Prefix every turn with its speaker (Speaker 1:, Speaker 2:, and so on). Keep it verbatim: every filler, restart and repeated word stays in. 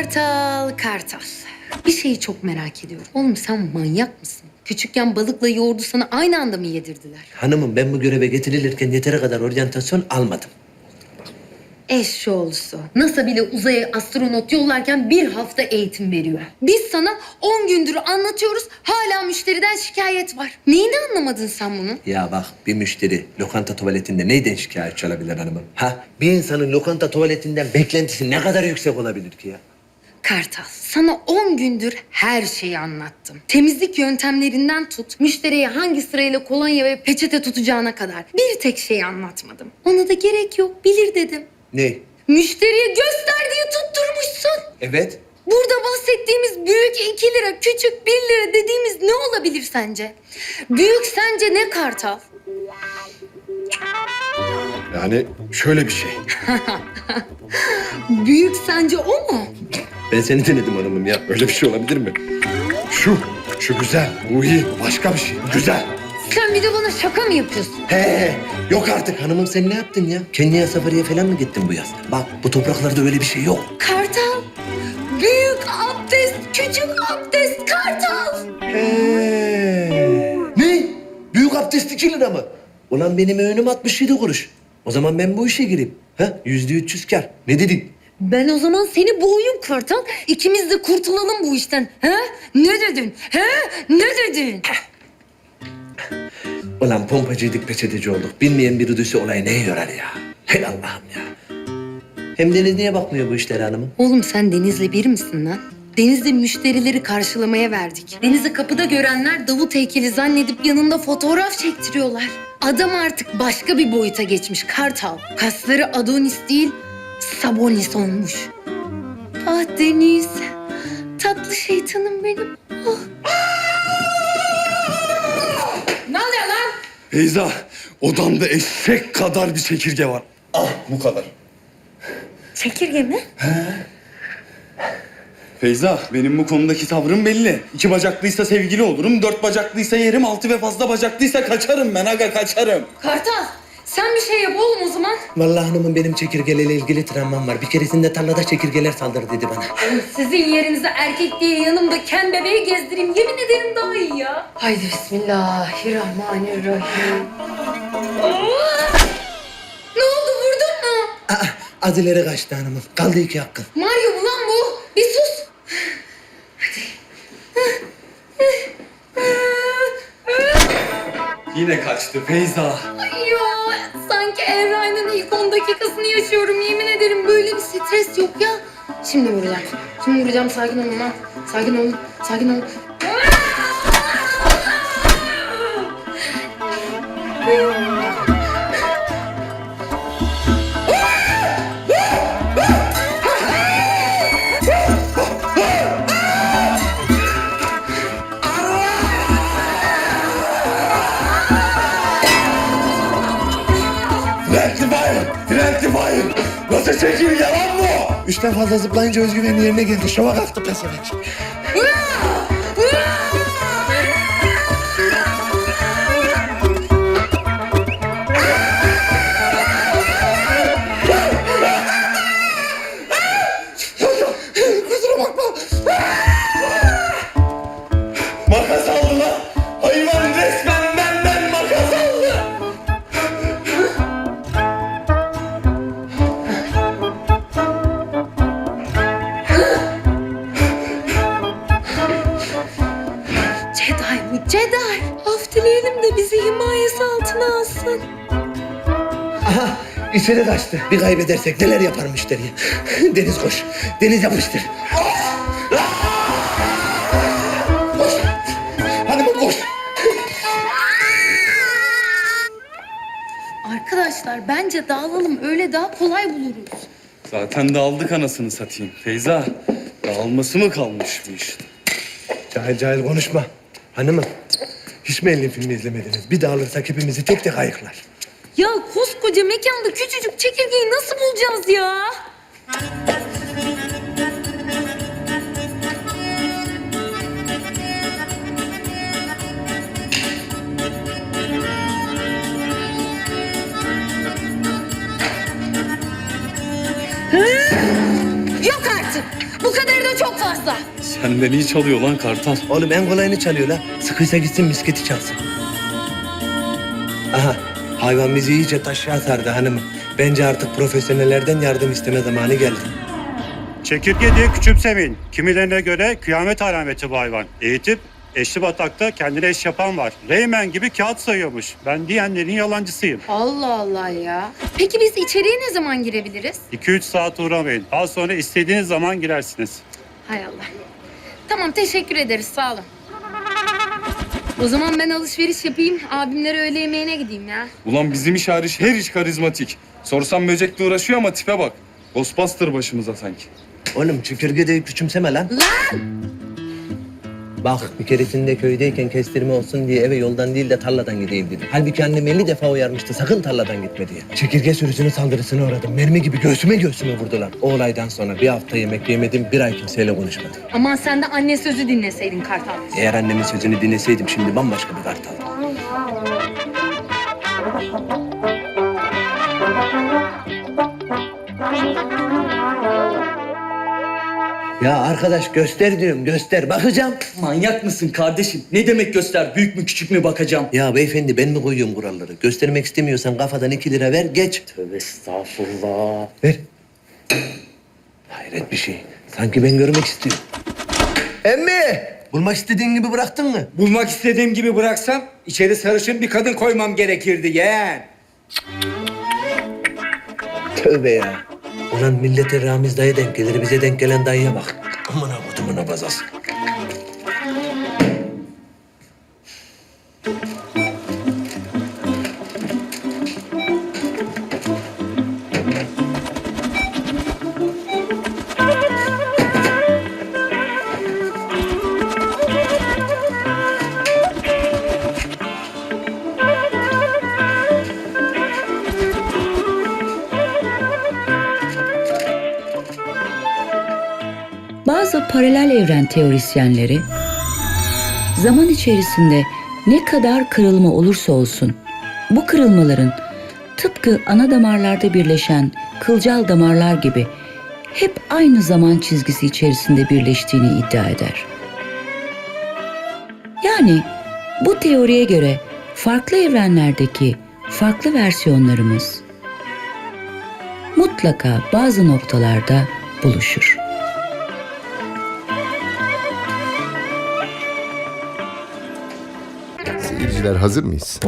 Speaker 1: Kartal, Kartal. Bir şeyi çok merak ediyorum. Oğlum sen manyak mısın? Küçükken balıkla yoğurdu sana aynı anda mı yedirdiler?
Speaker 2: Hanımım ben bu göreve getirilirken yeteri kadar oryantasyon almadım.
Speaker 1: Eşşoğlusu. NASA bile uzaya astronot yollarken bir hafta eğitim veriyor. Biz sana on gündür anlatıyoruz, hala müşteriden şikayet var. Neyini anlamadın sen bunu?
Speaker 2: Ya bak bir müşteri lokanta tuvaletinde neyden şikayetçi olabilir hanımım? Ha? Bir insanın lokanta tuvaletinden beklentisi ne kadar yüksek olabilir ki ya?
Speaker 1: Kartal, sana on gündür her şeyi anlattım. Temizlik yöntemlerinden tut, müşteriye hangi sırayla kolonya ve peçete tutacağına kadar. Bir tek şeyi anlatmadım. Ona da gerek yok, bilir dedim.
Speaker 2: Ne?
Speaker 1: Müşteriye göster diye tutturmuşsun.
Speaker 2: Evet.
Speaker 1: Burada bahsettiğimiz büyük iki lira, küçük bir lira dediğimiz ne olabilir sence? Büyük sence ne Kartal?
Speaker 3: Yani şöyle bir şey.
Speaker 1: Büyük sence o mu?
Speaker 2: Ben seni denedim hanımım ya.
Speaker 3: Öyle bir şey olabilir mi? Şu, şu güzel. Bu iyi. Başka bir şey. Güzel.
Speaker 1: Sen bir de bana şaka mı yapıyorsun?
Speaker 2: He, he, yok artık hanımım sen ne yaptın ya? Kenya'ya safariye falan mı gittin bu yaz? Bak bu topraklarda öyle bir şey yok.
Speaker 1: Kartal, büyük abdest, küçük abdest Kartal.
Speaker 2: He. Ne? Büyük abdest iki lira mı? Ulan benim öğünüm altmış yedi kuruş. O zaman ben bu işe gireyim. Ha? Yüzde üç yüz kar. Ne dedin?
Speaker 1: Ben o zaman seni boğuyum Kartal. İkimiz de kurtulalım bu işten. He? Ne dedin? He? Ne dedin?
Speaker 2: Ulan pompacıydık peçeteci olduk. Bilmeyen biri duysa olay neye yorar ya? Hey Allah'ım ya. Hem Deniz niye bakmıyor bu işlere hanımım?
Speaker 1: Oğlum sen Deniz'le bir misin lan? Deniz'le müşterileri karşılamaya verdik. Deniz'i kapıda görenler Davut heykeli zannedip yanında fotoğraf çektiriyorlar. Adam artık başka bir boyuta geçmiş Kartal. Kasları Adonis değil, Sabonis olmuş. Ah Deniz, tatlı şeytanım benim. Ah. Ne oluyor lan?
Speaker 3: Beyza, odamda eşek kadar bir çekirge var. Ah, bu kadar.
Speaker 1: Çekirge mi?
Speaker 4: Feyza, benim bu konudaki tavrım belli. İki bacaklıysa sevgili olurum, dört bacaklıysa yerim, altı ve fazla bacaklıysa kaçarım ben aga, kaçarım.
Speaker 1: Kartal, sen bir şey yap oğlum o zaman.
Speaker 2: Vallahi hanımım benim çekirgelerle ilgili travmam var. Bir keresinde tarlada çekirgeler saldırdı dedi bana.
Speaker 1: Oğlum sizin yerinize erkek diye yanımda ken bebeği gezdireyim. Yemin ederim daha iyi ya. Haydi bismillahirrahmanirrahim. Aa! Ne oldu, vurdun mu?
Speaker 2: Aa, az ileri kaçtı hanımım. Kaldı iki hakkın.
Speaker 1: Mario mu lan bu? Bir sus.
Speaker 4: Yine kaçtı Feyza.
Speaker 1: Ay ya, sanki Eray'ın ilk on dakikasını yaşıyorum. Yemin ederim böyle bir stres yok ya. Şimdi vuracağım. Şimdi vuracağım. Sakin olun lan. Sakin olun. Sakin olun.
Speaker 3: Rectifier! Rectifier! Nasıl çekirge lan bu? Üçten fazla zıplayınca özgüvenin yerine geldi. Şova kalktı pesevenk. Kusura bakma. Makas aldı lan. Hayvan resmen benden makas aldı.
Speaker 1: Jedi bu Jedi. Af dileyelim de bizi himayesi altına alsın.
Speaker 2: Aha içeri kaçtı. Bir kaybedersek neler yapar müşteriye? Deniz koş. Deniz yapıştır.
Speaker 3: Koş. Hanımım koş.
Speaker 1: Arkadaşlar bence dağılalım. Öyle daha kolay buluruz.
Speaker 4: Zaten dağıldık anasını satayım. Feyza, dağılması mı kalmış bu iş?
Speaker 2: Cahil cahil konuşma. Hanımım hiç mi elin filmi izlemediniz? Bir dağılırsak hepimizi tek tek ayıklar.
Speaker 1: Ya koskoca mekanda küçücük çekirgeyi nasıl bulacağız ya? Yok artık. Bu kadar fazla.
Speaker 4: Senden iyi çalıyor lan Kartal.
Speaker 2: Oğlum en kolayını çalıyor la. Sıkıysa gitsin misketi çalsın. Aha, hayvan bizi iyice taşıya sardı hanımım. Bence artık profesyonellerden yardım isteme zamanı geldi.
Speaker 5: Çekirge diye küçümsemeyin. Kimilerine göre kıyamet alameti bu hayvan. Eğitip eşli batakta kendine eş yapan var. Reymen gibi kağıt sayıyormuş. Ben diyenlerin yalancısıyım.
Speaker 1: Allah Allah ya. Peki biz içeriye ne zaman girebiliriz?
Speaker 5: iki üç saat uğramayın. Daha sonra istediğiniz zaman girersiniz.
Speaker 1: Hay Allah. Tamam teşekkür ederiz sağ olun. O zaman ben alışveriş yapayım. Abimlere öğle yemeğine gideyim ya.
Speaker 4: Ulan bizim iş hariç her iş karizmatik. Sorsam böcekle uğraşıyor ama tipe bak. Ghostbuster başımıza sanki.
Speaker 2: Oğlum çükürge de küçümseme lan.
Speaker 1: Lan!
Speaker 2: Bak bir keresinde köydeyken kestirme olsun diye eve yoldan değil de tarladan gideyim dedim. Halbuki annem elli defa uyarmıştı sakın tarladan gitme diye. Çekirge sürüsünün saldırısına uğradım. Mermi gibi göğsüme göğsüme vurdular. O olaydan sonra bir hafta yemek yemedim, bir ay kimseyle konuşmadım.
Speaker 1: Aman sen de anne sözü dinleseydin Kartal.
Speaker 2: Eğer annemin sözünü dinleseydim şimdi bambaşka bir kartaldım. Ya arkadaş göster diyorum göster bakacağım.
Speaker 6: Manyak mısın kardeşim? Ne demek göster? Büyük mü küçük mü bakacağım?
Speaker 2: Ya beyefendi ben mi koyuyorum kuralları? Göstermek istemiyorsan kafadan iki lira ver geç.
Speaker 6: Tövbe estağfurullah.
Speaker 2: Ver. Hayret bir şey. Sanki ben görmek istiyorum. Emmi! Bulmak istediğin gibi bıraktın mı?
Speaker 7: Bulmak istediğim gibi bıraksam içeri sarışın bir kadın koymam gerekirdi yeğen.
Speaker 2: Tövbe ya. Ulan millete Ramiz dayı denk gelir, bize denk gelen dayıya bak. Aman ha kutumuna bazas.
Speaker 8: Bazı paralel evren teorisyenleri zaman içerisinde ne kadar kırılma olursa olsun bu kırılmaların tıpkı ana damarlarda birleşen kılcal damarlar gibi hep aynı zaman çizgisi içerisinde birleştiğini iddia eder. Yani bu teoriye göre farklı evrenlerdeki farklı versiyonlarımız mutlaka bazı noktalarda buluşur.
Speaker 9: Seyirciler hazır mıyız?